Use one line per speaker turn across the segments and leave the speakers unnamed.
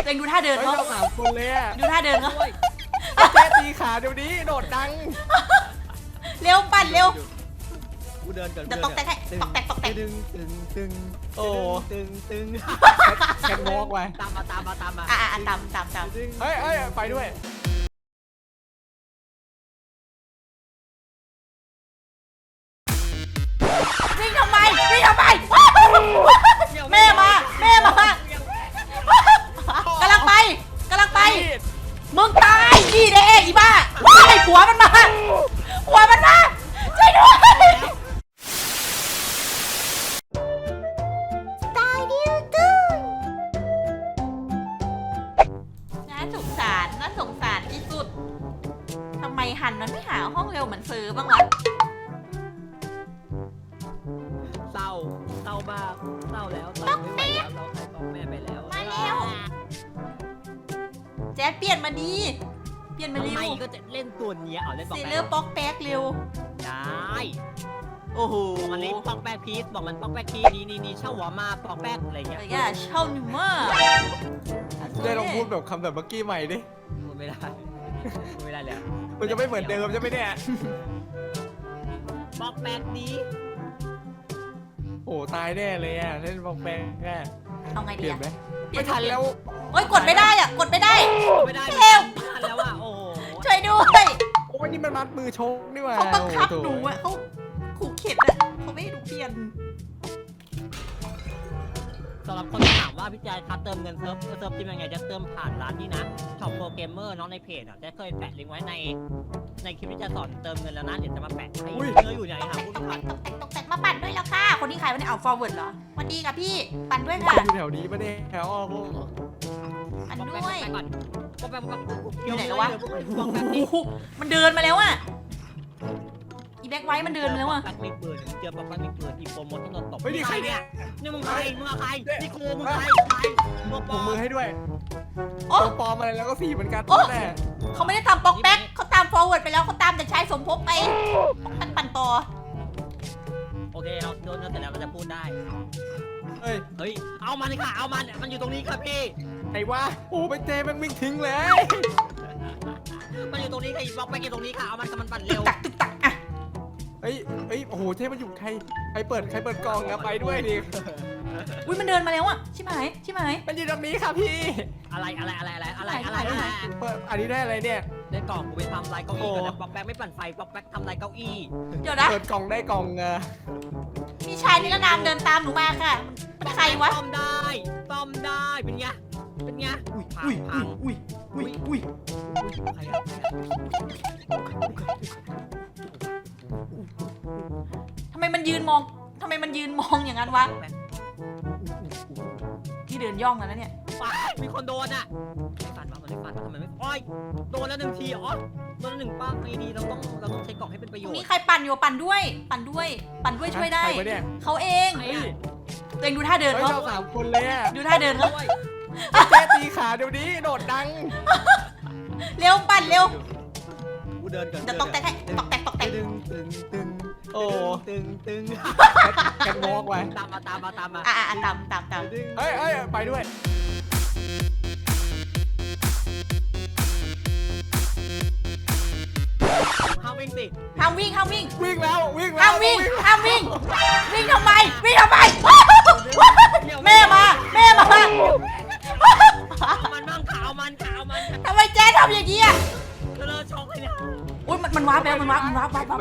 เองดูท่าเดินเขา
เรา3 คนเลยอะ
ดูท่าเดินเขา
เจ๊ตีขาเดี๋ยวนี้โดดดัง
เร็วปั่นเร็ว
กูเดินก่อน
เดี๋ยวตกแตกให้ตกแตกตกแตก
ตึง
โอ้
ตึง
แคนวอล์กไป
ตามมา
ตาม
เฮ้ยไปด้วย
วิ่งทำไมแม่มากำลังไปมึงตายดีเด้อีบ้าหัวมันมาช่วยด้วยตายดิวตึ้งน่าสงสารที่สุดทำไมหันมันไม่หาห้องเร็วเหมือนซื้อบ้างวะ
เศร้ามากเศร้าแล้วเศร้าไม่ไหวแล้วเราใครบอกแม่ไปแล้ว
มาแล้วแจ๊ดเปลี่ยนมาดีเปลี่ยนมา
ทำ
เร็
ไม
ว
ก็จะเล่นตัวนี้เอาเล่นบอก
ซี
แม่
เลอร์ป๊อกแป๊กเร็ว
ได้
โอ้โห
บอกมันเล่นปอกแป๊กพีซบอกมันปอกแป๊กพีซนี่เช่าหัวมาปอกแป๊กอะไรเงี้ย
เฮ้ยเช่าหนึ่งมาก
เจ๊ลองพูดแบบคำแบบเมื่อกี้ใหม่ดิ
พูดไม่ได้แล้ว
มันจะไม่เหมือนเดิมใช่ไหมเนี่ย
ปอกแป๊กนี้
โอ้ตายแน่เลยอ่ะเล่นบอลแปงแค่
เอาไง
เป
ดี
ลี่ยน
อะ
ไหมไม่ทันแล้ว
โอ้ยกดไม่ได้อ่ะกดไม่ได้
ไม่ได้
เร็ว
ไม่ทันแล้วอ่ะโอ้โห
ช่วยด้วย
โอ้ยนี่มันมัดมือชกนี่หว่า
เขาบังคับ
โอ้
ห
โ
นูอ่ะเขาขู่เข็ดอ่ะเขาไม่ให้หนูเปลี่ยน
สำหรับคนที่ถามว่าพี่แจ๊คครับเติมเงินเซิร์ฟจิ้มยังไงจะเติมผ่านร้านนี้นะช็อปโปรเกมเมอร์น้องในเพจอ่ะจะเคยแปะลิงก์ไว้ในคลิปที่จะสอนเติมเงินแล้วนะเดี๋ยวจะมาแปะให้เนื้ออยู่ไหนครับผู้ชม
ตกแต่งมาปั่นด้วยแล้วค่ะคนที่ใครวันนี้เอา forward เหรอวันดีกับพี่ปั่นด้วย
มั
ค่ะ
นอยู่แถวนี้ปะเนี่ยแถวอ้อพวก
ปั่นด้วย
ก่อนปอกแป๊ก
อยู่ไหนแล้ววะ
ปอกแป๊ก
โอ้โหมันเดินมาแล้วอ่ะอีแบ็คไว้มันเดินมาแล้วอ่ะ
ปอกแป๊กมีปืนเจอปอกแป๊กมีปืนอีโปรโมทที่โดนตบ
เฮ้ยนี่ใครเนี่ย
นี่มึงใครนี่ครูมึงใครตัวป
ผ
อ
มมือให้ด้วย
โอ้
ตัวปลอมอะไรแล้วก็สีเหมือนกันแน่
เขาไม่ได้ตามป๊อกแบ็คเขาตาม forward ไปแล้วเขาตามแต่ชายสมภพไปป๊อกแบ็คปั่นต่อ
โอเคเราโดนเสร็จแล้วเราจะพูดได้
เฮ้ย
เฮ้ยเอามันค่ะเอามันอยู่ตรงนี้ครับพี่
ไอ้วะโอ้ไปเจมันวิ่งทิ้งเลย
มันอยู่ตรงนี้ค่ะอีบล็อกไปอยู่ตรงนี้ค่ะเอามันปั่นเร็ว
ตึกตักอ่ะ
เฮ้ยโอ้โหเทมันอยู่ใครเปิดกล่องนะไปด้วยดิ
อุ้ยมันเดินมาแล้วอ่ะชิบหาย
มันอยู่ตรงนี้ค่ะพี่
อะไร
เปิดอันนี้ได้อะไรเนี่ย
ได้กล่องกูไปทำลายเก้าอี้ก่อนนะป๊อกแป๊กไม่ปั่นไฟป๊อกแป๊กทำลายเก้าอี้
เดี๋ยวนะ
เปิดกล่องได้กล่อง
มีชายนิรนามเดินตามหนูมาค่ะมันใครวะ
ต้อมได้เป็นไงพัง
อุ้ย
ใครอะ
ทำไมมันยืนมองอย่างนั้นวะที่เดินย่องกันแล้วเนี่ย
มีคนโดนอ่ะไม่ฟันวะมันไม่ฟันทำไมไม่โอ้ยโดนแล้ว1 ทีอ๋อโดนแล้ว1ป้าดีเราต้องใช้กล่องให้เป็นประโย
ตร
ช
ง
น์
นี้ใครปั่นอยู่ปั่นด้วยช่วยได้
ใครวะเนี่ย
เขาเอง
ไอ้อะ
ตัวเองดูท่าเดิน
เฮ้ย
เขา
เรา3 คนเลยอ่ะ
ดูท่าเดินเขา
เจ๊ตีขาเดี๋ยวนี้โดดดัง
เร็วปั่นเร็ว
กูเดินก่อน
เดี๋ยวตกแตกให้ตกแตก
โอ้
ตึง
แคนวอล์กไป
ตามมา
ตาม
เฮ้ยไปด้วย
ห้ามวิ่งสิ
ห้ามวิ่ง
วิ่งแล้ว
วิ่งทำไมวิ่งทำไมแม่มา
เอามันบ้างขาเอามัน
ทำไมแจ๊ดทำอย่างนี้อ่ะ
เลอะช็อกเลยเนี่ย
อุ้ยมันว้าไปแล้วมันว้า
ห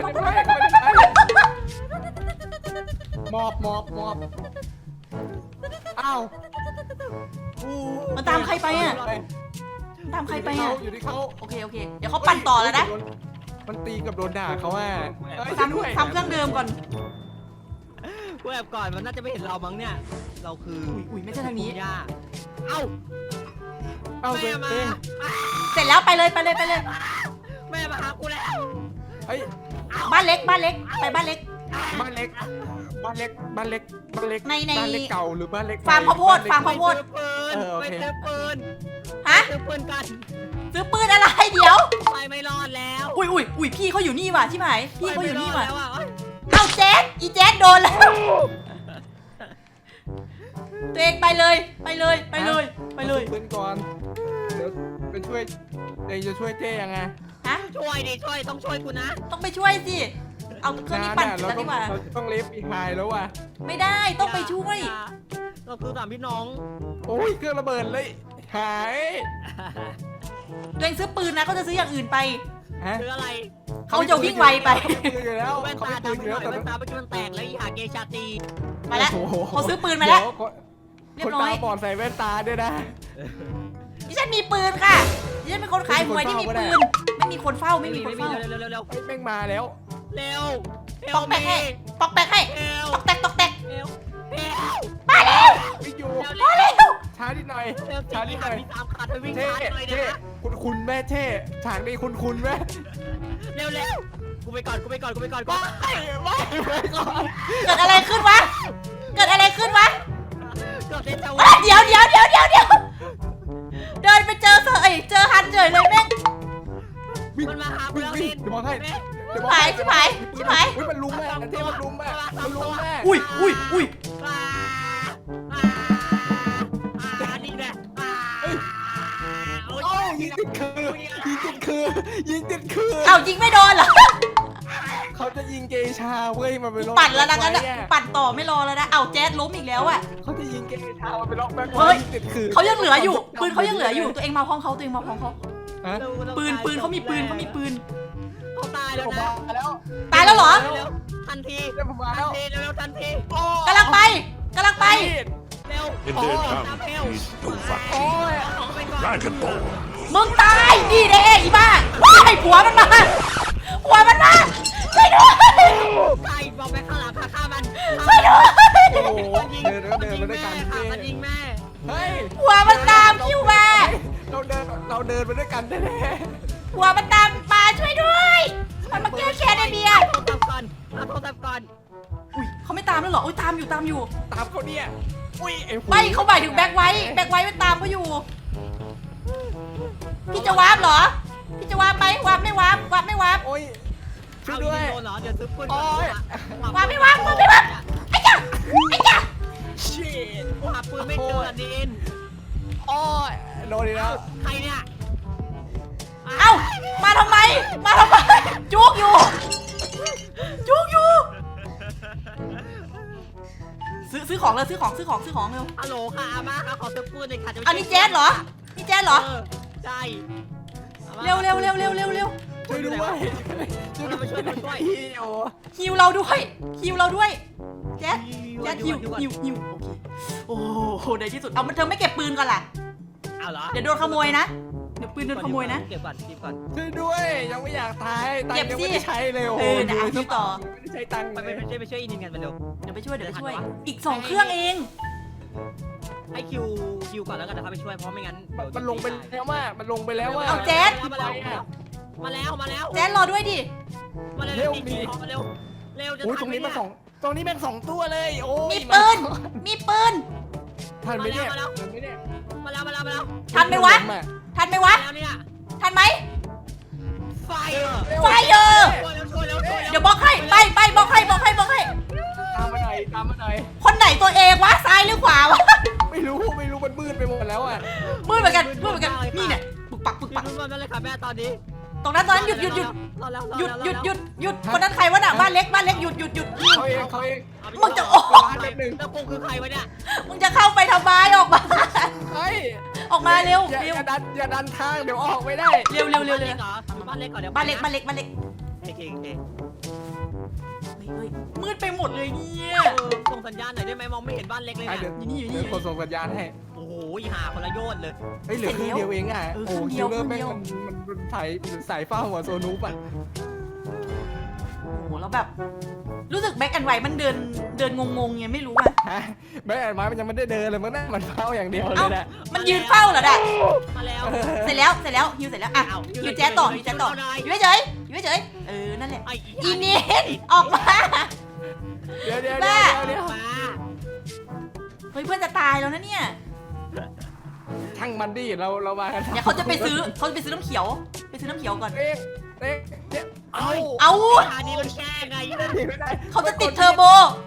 มอบอ้าว
มันตามใครไปอ่ะ
อยู่ที่เขา
โอเคเดี๋ยวเขาปั่นต่อแล้วนะ
มันตีกับโดนด่าเขาว่า
ทำเครื่องเดิมก่อน
กูแอบก่อนมันน่าจะไม่เห็นเรามั้งเนี่ยเราคือ
อุ้ยไม่ใช่ทางนี้
ย่าเอ้า
เอาไป
แม่มา
เสร็จแล้วไปเลย
แม่มาหากูแล้ว
เฮ้ย
บ้านเล็กไปบ้านเล็ก
บ้านเล็กเก่าหรือบ้านเล็ก
ฟาร์มข้าวโพด
ไปซื้อปืน
ฮะ
ซื้อปืนกัน
ซื้อปืนอะไรเดี๋ยว
ไปไม่รอดแล้ว
อุ้ยพี่เขาอยู่นี่ว่ะใช่ไหมพี่เขาอยู่นี่ว่ะ
แล้วอ่ะ
เอาแจ๊ดโดนแล้วตัวเองไปเลยไปเลยไปเลยไปเลย
อาปืนก่อนเดี๋ยวไปช่วยเองจะช่วยเจ๊ยังไง
ฮะ
ช่วยดิช่วยต้องช่วยกูนะ
ต้องไปช่วยสิเอาเครื่องนี้ปั่น
เรา
แล้ว
ต้อ
ดี
ง
กว่า
เราต้องเลฟอีไฮแล้วว่ะ
ไม่ได้ต้องไปช่วย
เราคือสามพี่น้อง
โอ้ยเครื่องระเบิดเลยหาย
ตัวเองซื้อปืนนะเขาจะซื้ออย่างอื่นไป
ฮะ
คืออะไร
เขาจะวิ่งไวไป
เขาปืนอยู่แล้ว
แว่น
เขา
ตา
ไม่ปืน
ดำ
อยู่
ไปห
แล้วแต่
น่อยแว่นตาเมื่อกี้มันแตกแล้วอีหาเกชาตี
มาแล้ว
โอ้โห
เขาซื้อปืนมาแล้ว
เดี๋ยว
เรียบร้อย
คนตาบอดใส่แว่นตาด้วยนะ
ดิฉันมีปืนค่ะดิฉันเป็นคนขายหวยที่มีปืน ไม่มีคนเฝ้าไม่มีคนเฝ้า
เร็วเร็วเร็ว
เฮ้ยแม่งมาแล้ว
เร็ว
ปอกแปกให้ปอกแปกให้
เร็ว
ตอกแตกตอกแตก
เร็วเร็ว
มาเร็ว
ไม่อยู่
มาเร็ว
ช้านิดหน่อย
เร็ว
ช้านิดหน่อย
มี3ขาเธอวิ่ง
เท่
ช้าหน่อย
เท่
นะ
คุณแม่เท่ฉากนี้คุณแม่
เร็วเร็วกูไปก่อนกูไปก่อนกูไปก่อนกู
ไม่ก่อน
เกิดอะไรขึ้นวะเกิดอะไรขึ้นวะ
เกือบเล่นจะ
เอ้ยเดี๋ยวเดินไปเจอเจอฮันเฉยเลยแม่ง
มันมาหากูแล้วลิน
เดี๋ยวบอกให้เดี๋ยวบอก
ชิบหายชิบหาย
อุ้ยมันลุมแม่เท่มันลุมแม่มันลุมแม่
อุ้ย
นี่แหละ
โอ้ยยิงติดคือยิงติดคือยิงติดคือ
เอ้ายิงไม่โดนเหรอ
เขาจะยิงเกชาเว้ยมันไปล็อก
ปั่นแล้วนะงั้น
ไว้
อะ
อะ
ปั่นต่อไม่รอแล้วนะเอ้าแจ๊ดล้มอีกแล้วอ่ะ
เขาจะยิงเกชามันไปล็อกแบ็ค
เฮ้ย
ติดคือ
เขายังเหลืออยู่ปืนเขายังเหลืออยู่ตัวเองมาห้องเขาตัวเองมาห้องเขา
ฮะ
ปืนเขามีปืนเขามีปืน
เขาตายแล้ว
ผม
นะ
มาแล้ว
ตายแล้วเหรอ
ทันที
เดี๋ยวผมมาแล้ว
เร็วทันที
กำลังไปกำลังไป
เร็ว
In their tongue is
โอ้ย
Dragon Ball.
มึงตายนี่เด้อีบ้าว้ายผัวมันมาผัวมันมาช่วยด้วย
ไก่บอกไปข้างหลังฆ่ามัน
ช่วยด้วย
โอ้โหเดินมาด้วยกัน
ค่ะมันยิงแม่
เฮ้ย
ผัวมันตามคิวมา
เราเดินมาด้วยกันแน่
ผัวมันตามมาช่วยด้วยมันมาแก้แค้นไอเบียร์
โทรศัพท์ก่อนเอาโทรศัพท์ก่อน
อุ้ยเขาไม่ตามแล้วเหรออุ้ยตามอยู่
ๆตามเขาเนี่ยอุ้ยไอ้หู
ไม่เขาหมายถึงแบ็คไว้มันตามเขาอยู่พี่จะวาร์ปเหรอพี่จะวาร์ปไหมวาร์ปไม่วาร์ปไม่วาร์ป
โอ้ยช่วย
เอา
ด้วย
โดนเหรอเดี๋ยวซื้อปืน
โอ้ย
วาร์ปไม่วาร์ปไอ้จ้า
ชิต
กูหาปืนไม่เจอดิน
โอ้ยโดนอีกแล้ว
ใครเนี่ย
เอ้ามาทำไมจุกอยู่ซื้อของเลยซื้อของเร็ว
ฮัลโหลค่ะอาม่าค่ะขอซื้อปืนหน่อยค่ะจะไป
อันนี้แจ๊ดเหรอนี่แจ๊ดเหรอ
ใช่
เร็ว
ช่วยด้วย
เราไปช่วย
โอ้
ฮิวเราด้วยแจ๊ดฮิวโอ้โหในที่สุดเอามันเธอไม่เก็บปืนก่อนล่ะ
เอาเหรอ
เดี๋ยวโดนขโมยนะเดี๋ยวปืนโดนขโมยนะ
เก็บก่อน
ช่วยด้วยยังไม่อยากตายตัง
เก็บ
ค์ยัง
สิ
ไม่ได้ใช้เลยโอ้
เออนะฮิวต่อ
ไม่ได้ใช้ตังค์
ไป
เลย
ไปช่วยอินกันไปเร็ว
เดี๋ยวไปช่วยอีก2เครื่องเอง
ให้คิวก่อนแล้วกันนะครับไปช่วยเพราะไม่งั้น
มันลงไปแล้วว่ามันลงไปแล้วว่า
เอาแจ๊ด
มาแล้ว
แจ๊ดรอด้วยดิ
มาเร็วมาเร็วจะ
โอ้ยตรงนี้มันตรงนี้แม่ง2ตัวเลยโอ้ย
มีปืน
ทันไหมเนี่ยทันไหมเนี่ย
มาแล้ว
ทันไหมวะ
แล้วเนี่ย
ทันไหม
ไฟ
ไฟเยอะ
ช่วยเร็ว
เดี๋ยวบล็อกให้ไปบล็อกให้
ตามมาหน่อย
คนไหนตัวเองวะซ้ายหรือขวาวะ
ไม่รู้มันมืดไปหมดแล้วอ่ะ
มืดเหมือนกันนี่เนี่ยปึกปัก
ยืนเลยค่ะแม่ตอนนี้
ตรงนั้นหยุดคนนั้นใครวะน่ะบ้านเล็กหยุด
เขาเอง
มึงจะโอ้
แล้วกูคือใครวะเนี่ย
มึงจะเข้าไปทำไมออกมา
เฮ้ย
ออกมาเร็ว
อย่าดันทางเดี๋ยวออกไม่ได้
เร็ว
บ้านเล็กก่อนเดี๋ยว
บ้านเล็ก
โอเค
มืดไปหมดเลยเนี่ย
ส่งสัญญาณหน่อยได้ไหมมองไม่เห็นบ้านเล็กเลย
เดี๋ยว
อยู่นี่
เดี๋ยวคนส่งสัญญาณให้
โอ้โหหาคนละโยนเลย
เฮ้ยเหลือครึ่งเดียวเองอ่ะโอ้คิวเลอร์แม่งมันสายฟ้าหัวโซนูปอ่ะ
โอ้โหแล้วแบบ รู้สึกแบ็คแอนด์ไวท์มันเดินงงไงไม่รู้อ่ะ
ฮะแม่แอนไม้มันยังไม่ได้เดินเลยมันนั่งมันเฝ้าอย่างเดียวเลยนะ
มันยืนเฝ้าเหรอด่ะ
มาแล้ว
เสร็จแล้วฮิวเสร็จแล้วอ่ะฮิวแจ๊ต่ออยู่เฉยนั่นแหละอีเนียนออกมา
เดี๋ยว
มา
เฮ้ยเพื่อนจะตายแล้วนะเนี่ย
ช่างมันดิเรามากัน
เดี๋ยวเขาจะไปซื้อน้ำเขียวก่อน
เอ๊ะเอา
เอา
อันนี้มันแค่ไง
เขาจะติดเทอร์โบ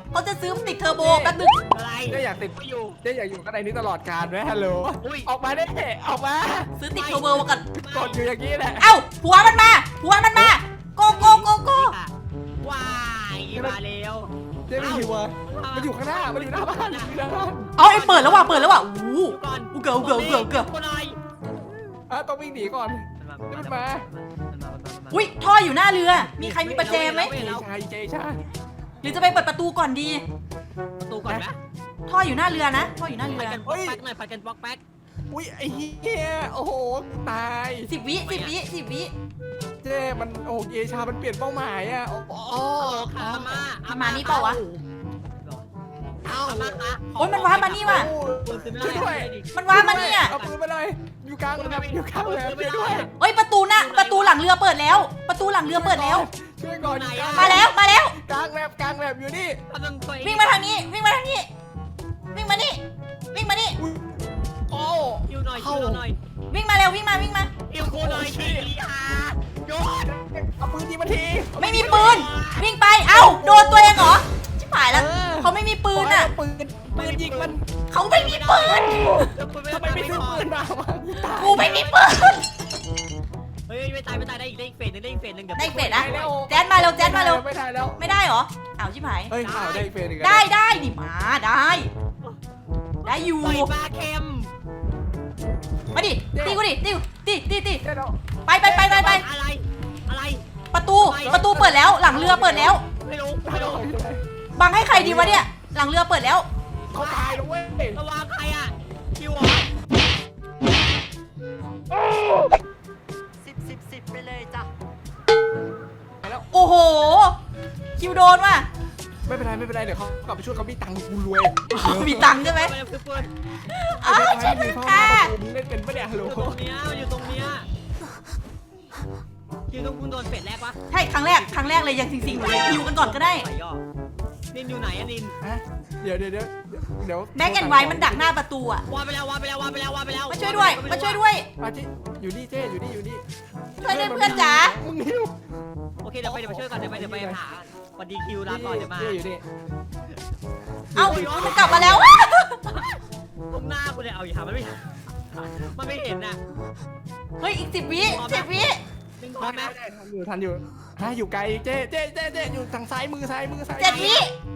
เขาจะซื้อติดเทอร์โบแป๊บนึง
อะไร
เจ๊อยากติด
ไม่อยู่
เจ๊อยากอยู่ข้างในนี้ตลอดกาลไหมฮัลโหล
อุ้ย
ออกมาได้ออกมา
ซื้อติดเทอร์โบมาก่อน
กดอยู่อย่างนี้แหละ
เอ้าหัวมันมาโกโกโกโก
ว้ายมาเร็ว
เจ๊ไม่หิวอ่ะมันอยู่ข้างหน้ามันอยู่หน้าบ้านอยู่หน้าบ้าน
เอาไอ้เปิดแล้วว่ะอู้
ก่อน
อูเกือบ
กูหน่อย
ต้องวิ่งหนีก่อน
มันมา
อุ้ยท่ออยู่หน้าเรือ มีใครมีประแจไหม
เจชา
หรือจะไปเปิดประตูก่อนดี
ประตูก่อนนะ
ท่ออยู่หน้าเรือนะท่ออยู่หน้าเรื
ไป
อ
กันบล็อกแป๊กหน่อยไปกันบล็อกแป๊ก
อุ้ยไอ้เหี้ยโอ้โหตาย
10 วิ10 วิ
เจ๊มันโอ้เยชามันเปลี่ยนเป้าหมายอ่ะโอ้
โอ้ขามา
ประมาณนี้เปล่าวะ
เอามาค่ะ
โอ้ยมันว้ามานี่ว่ะ
ช่วยด้วย
มันว้ามานี่อ่ะ
เอาปืนมาเลยอยู่กลางแบบอยู่กลางแบบช่วยด้วย
เอ้ยประตูหน้าประตูหลังเรือเปิดแล้ว ประตูหลังเรือเปิดแล้ว
ช่วยก่อนอยู่กลาง
มาแล้ว
กลางแบบอยู่นี่
วิ่งมาทางนี้วิ่งมานี่วิ่งมานี่
โอ้
คิวหน่อย
วิ่งมาเร็ววิ่งมา
คิวกูหน่อยขี้โยน
เอาปืนยิงมาที
ไม่มีปืน วิ่งไปเอ้าโดนตัวเองเหรอชิบหายแล้วเขาไม่มีปืนอ่ะ
ปืนยิงมัน
เขาไม่มีปืน
ทำไมไม่ซื้อปืนมาวะ
กูไม่มีปืน
เฮ้ยไม่ตายได้อีกเฟสนึงได้อีกเฟสนึงเดี๋ยว
ได้เฟดนะแจ๊ดมาเร็ว
ไม่ได้แล้ว
ไม่ได้เหรออ้าวชิบหาย
เฮ้ยข่าวได้เฟสอีก
ได้ดิมาได้อยู่
ปล่อยปลาเค็ม
มาดิตีกูดิตี
ได้แล้ว
ไป
อะไร
ประตูเปิดแล้วหลังเรือเปิดแล้ว
ไม่รู้
บังให้ใครดีวะเนี่ยหลังเรือเปิดแล้ว
เขาตายแล้วเว้ย
ระวังใครอ่ะคิว10 ไปเลยจ้ะ
โอ้โหคิวโดนว่ะ
ไม่เป็นไรเดี๋ยวเขากลับไปช่วยเขามีตังค์กูรวย
มีตังค์ใช่ไหม
ไปคือปืน
อ้าวช่วยด้วยค่ะ
มึงเล่นเป็นปะเนี่ยฮัลโหล
อยู่ตรงเนี้ยคิวต้องคุณโดนเฟสแรกปะ
ใช่ครั้งแรกเลยยังสิงๆเลยคิวกันก่อนก็ได้
ไหย่อนินอยู่ไหนอะนิน
เดี๋ยว
แม็กแอนไวมันดักหน้าประตูอะ
วาไปแล้ว
มาช่วยด้วย
อาจิอยู่นี่เจ๊อยู่นี่
ช่วยด้วยเพื่อนจ๋า
มึงหิว
โอเคเดี๋ยวไปช่วยก่อนเดี๋ยวไปหาสวัสดีคิวลาก่อนเดี๋ยวมา
เจ๊อยู่นี่
เอ้ามันกลับมาแล้ว
ตรงหน้ากูเลยเอาอย่าหามันไม่เห็นน่ะ
เฮ้ยอีก10 วิ
นึงพร้อมไหม
ทันอยู่อยู่ไกลเจ๊อยู่ทางซ้ายมือ
7 วิ
ซ้ายมือ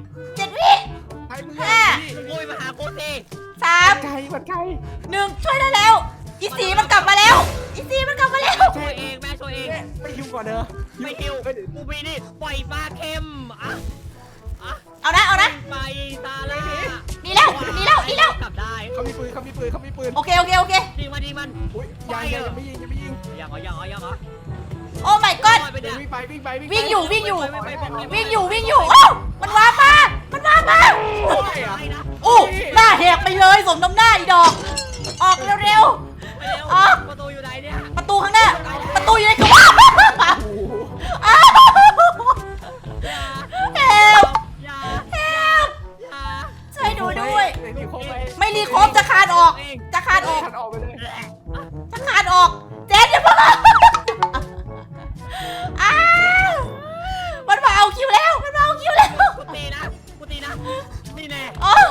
โอ้ยมาหาโคตรเท่
3
ไกลมันไกล
1ช่วยได้แล้วอีสีมันกลับมาแล้วแม่ช่วยเอง
ไม่หิวก่อนเด้อ
ไม่คิวกูมีนี่ปล่อยปลาเค็มอ่ะ
เอานะ
ไปซาร่า
ดีแล้ว
กลับได้
เขามีปืน
โอเค
ยิงมัน
อุ้ยยังไม่ยิง
ยังเหรอ
โอ้ my god
วิ่งไป
วิ่งอยู่โอ้มันว้ามาโอ้หน้าแหกไปเลยสมน้ำหน้าอีดอกออกเร็ว
ประตูอยู่ไหนเนี่ย
ๆประตูข้างหน้าประตูอยู่ในกระว่าอ้าว ช่วยดูด้วย ไม่รีโคบจะคานออก
ขัดออกไปเลย
เจ๊อย่าเพิ่งอ้าวมันมาเอาคิวแล้ว
กูตีนะนี่แน่
อ๋อ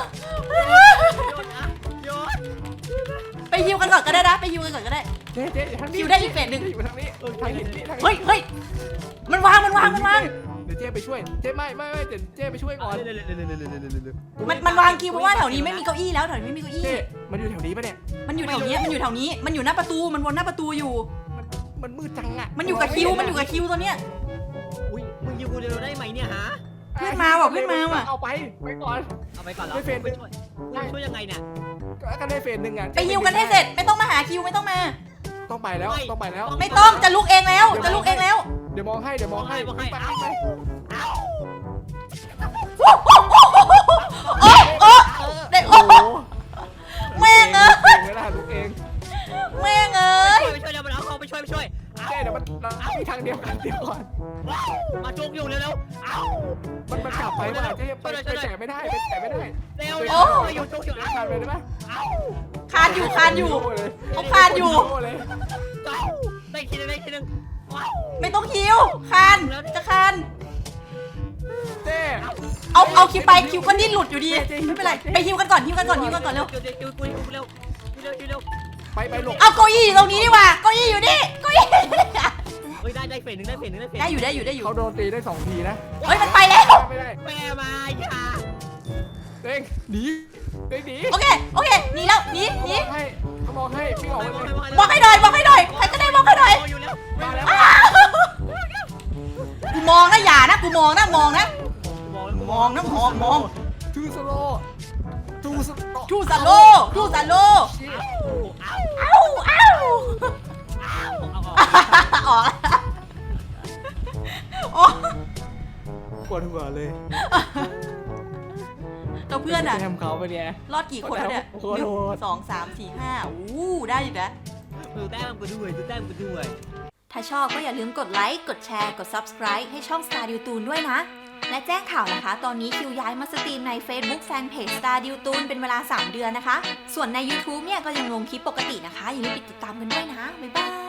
โยน
ไปฮิวกันก่อนก็ได้นะไปฮิวกันก่อนก็ได้
เจ๊ทางนี้
คิวได้อีกเฟสหนึ่ง
อยู่ทางนี้ทางหินนี่
เฮ้ยมันวาง
เดี๋ยวเจ๊ไปช่วยเจ๊ไม่เดี๋ยวเจ๊ไปช่วยก่อน
มันวางคิวเพราะว่าแถวนี้ไม่มีเก้าอี้แล้วแถวนี้ไม่มีเก้าอี้
เจ๊มันอยู่แถวนี้ปะเนี่ย
มันอยู่แถวนี้มันอยู่หน้าประตูมันวนหน้าประตูอยู่
มันมืดจังอ่ะ
มันอยู่กับคิวตัวเนี้ย
อุ้ยมึงยิงกูเร็วได้ไหมเนี่ยฮะ
เพื่อนมาว่ะ
เอาไปก่อน
เอาไปก่อนแล้วช่วยยังไงเนี่ย
ก็ได้เฟสหนึ่งอ่ะ
ไปฮิวกันให้เสร็จไม่ต้องมาหาคิวไม่ต้องมา
ต้องไปแล้ว
ไม่ต้องจะลุกเองแล้ว
เดี๋ยวมองให้ไป
โอ้เด็กโอ้แม่งเอ้ย
เวลาลูกเอง
แม่งเอ้ย
ไปช่วยแล้วมันเอาเขาไปช่วย
เจ๊เดี๋ยวมันมีทางเดียวกันเดี๋ยวก่อน
มาจุกอยู่เร็วเอ้า
มันกลับไปว่าเจ๊ไปแฉไม่ได้
เร็วอยู่จุกอยู่
ขาดไปได้ไหม
คานอยู่เขาคานอยู่
ได้ทีนึง
ไม่ต้องคิวคานจะคาน
เจ๊
เอาคิวไปคิวก็ดิ้นหลุดอยู่ดีไม่เป็นไรไปฮิวกันก่อนฮิวกันก่อนฮิวกันก่อนเร็ว
เร็วเร็ว
ไปหลบ
เอาเก้าอี้อยู่ตรงนี้ดีกว่าเก้าอี้อยู่นี่เก้าอี้อยู่นี่
เฮ้ยได้เฟสหนึ่งได้เฟสหนึ่งได้เฟส
ได้อยู่ได้อยู่ได้อยู่
เขาโดนตีได้2 ทีนะ
เฮ้ยมันไปแล้ว
ไม่ได้
แม่มาอย่า
เด้งหนีเด้งหนี
โอเคโอเคหนีแล้วหนีหนี
เขาบอกให้พี่ออกไปเลย
บอกให้หน่อยบอกให้หน่อยใครก็ได้บอกให้หน่อย
อยู่แล้ว
มาแล้ว
อ้าวกูมองนะอย่านะกูมองนะมองนะมองนะมอง
ทูสโลทูสโล
ทูซาโลทูซาโล
เอา
เอ้าออกโอ้
ปวดหัวเลย
ตัวเพื่อนอะ
แทมเขาไปเนี่ย
รอดกี่คนแล้วเนี่ย
โอ้โหโหด
1 2 3 4 5อู้ได้อยู่นะ
ดูแต้มกูด้วยดูแต้มกูด้วย
ถ้าชอบก็อย่าลืมกดไลค์ กดแชร์ กด Subscribe ให้ช่อง Star ดิวตูนด้วยนะ และแจ้งข่าวนะคะ ตอนนี้คิวย้ายมาสตรีมใน Facebook Fanpage Star ดิวตูนเป็นเวลา 3 เดือนนะคะ ส่วนใน YouTube เนี่ยก็ยังลงคลิปปกตินะคะ อย่าลืมติดตามกันด้วยนะ บ๊ายบาย